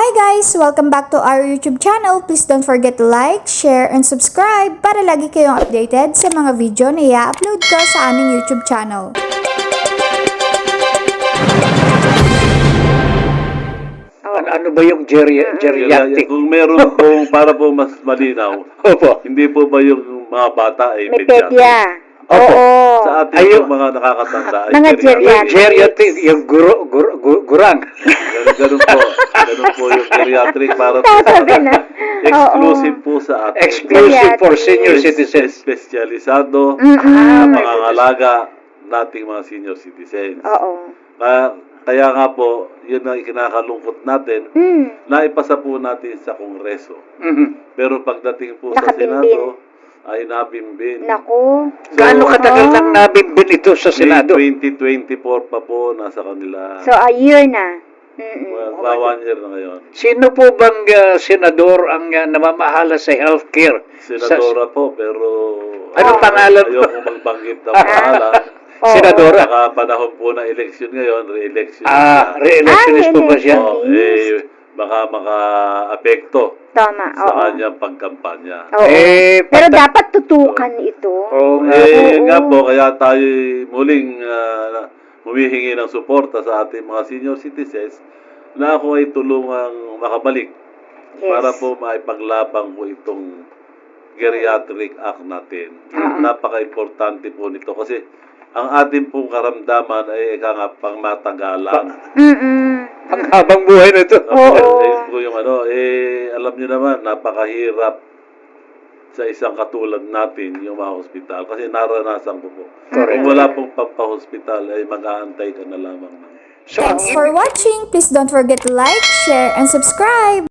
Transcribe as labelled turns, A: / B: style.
A: Hi guys! Welcome back to our YouTube channel. Please don't forget to like, share, and subscribe para lagi kayong updated sa mga video na i-upload ko sa aming YouTube channel.
B: Ano ba yung geriatric?
C: Kung meron pong, para po mas malinaw,
B: Opo.
C: hindi po ba yung mga bata ay
D: May
C: pediatric?
D: pedya.
B: Opo.
D: Oo.
C: Sa ating
B: Ayun.
C: yung mga nakakatanda ay
D: Mga
C: geriatric.
B: Geriatric, yung gurang.
C: Ganun po. Ganun po yung geriatric para po
D: Sasabi na.
C: exclusive po sa ating
B: Exclusive for senior citizens.
C: Espesyalisado
D: Mm-mm.
C: sa pangangalaga nating mga senior citizens.
D: Oo.
C: Kaya nga po, yun ang ikinakalungkot natin,
D: Mm.
C: naipasa po natin sa Kongreso.
B: Mhm.
C: Pero pagdating po sa
D: Nakabimbin.
C: Senado, ay nabimbin.
D: Naku.
B: Gaano katagal nang nabimbin ito sa
C: May
B: Senado?
C: 2024 pa po nasa kanila.
D: So, a year na. Mm-mm.
C: Mga 1 year na ngayon.
B: Sino po bang senador ang namamahala sa healthcare?
C: Senadora po, pero
B: Anong pangalan?
C: ayoko magbanggit ng pangalan.
D: Oo.
B: Senadora?
C: Saka panahon po ng eleksyon ngayon, re-election
B: Re-electionist po ba siya?
C: Oh, baka maka-apekto
D: Tama.
C: sa
D: Oo.
C: kanyang pagkampanya.
D: Oo. Pero dapat tutukan ito.
B: Oo nga.
D: Oo.
C: Nga po, kaya tayo muling humihingi ng suporta sa ating mga senior citizens na ako ay tulungang makabalik
D: Yes.
C: para po maipaglabang po itong geriatric act natin. Napaka-importante po nito kasi ang ating pong karamdaman ay pangmatagalan.
D: Mm-mm.
B: Ang habang buhay na ito.
D: Oo.
C: Po yung alam niyo naman, napakahirap sa isang katulad natin yung mga hospital. Kasi naranasan ko po.
B: Correct.
C: Kung wala pong pampahospital, ay mag-aantay ka na lamang.
B: So, ang
A: Thanks for watching. Please don't forget to like, share, and subscribe.